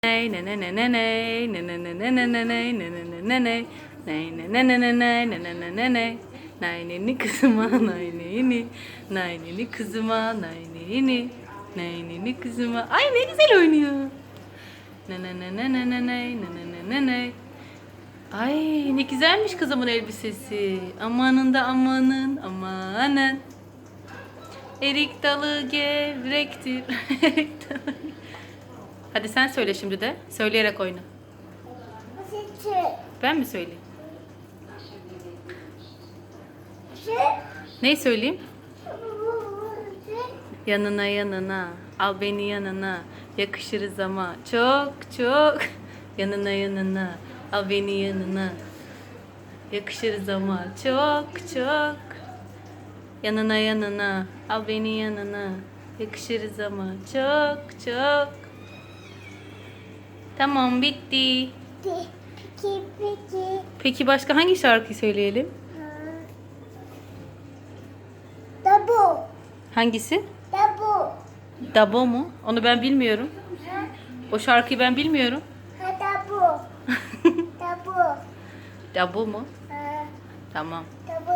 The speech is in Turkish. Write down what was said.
Ney ne ne ne ne ney ne ne ne ne ne ne ney ne ne ne ne ney ney ne ne ne ne ney ne ne ne ne ney nay neni kızıma nay neni nay neni kızıma nay neni nay neni kızıma ay ne güzel oynuyor ne ne ne ne ne ne ney ne ne ne ne ney ay ne güzelmiş kızımın elbisesi amanın da amanın amanın erik dalı gevrektir erik dalı. Hadi sen söyle şimdi de. Söyleyerek oyna. Ben mi söyleyeyim? Neyi söyleyeyim? Yanına yanına. Al beni yanına. Yakışırız ama. Çok çok. Yanına yanına. Al beni yanına. Yakışırız ama. Çok çok. Yanına yanına. Al beni yanına. Yakışırız ama. Çok çok. Tamam bitti. Peki. Peki başka hangi şarkıyı söyleyelim? Dabu. Hangisi? Dabu. Dabo mu? Onu ben bilmiyorum. O şarkıyı ben bilmiyorum. Ha dabu. Dabu. Dabo mu? Ha Tamam. dabu.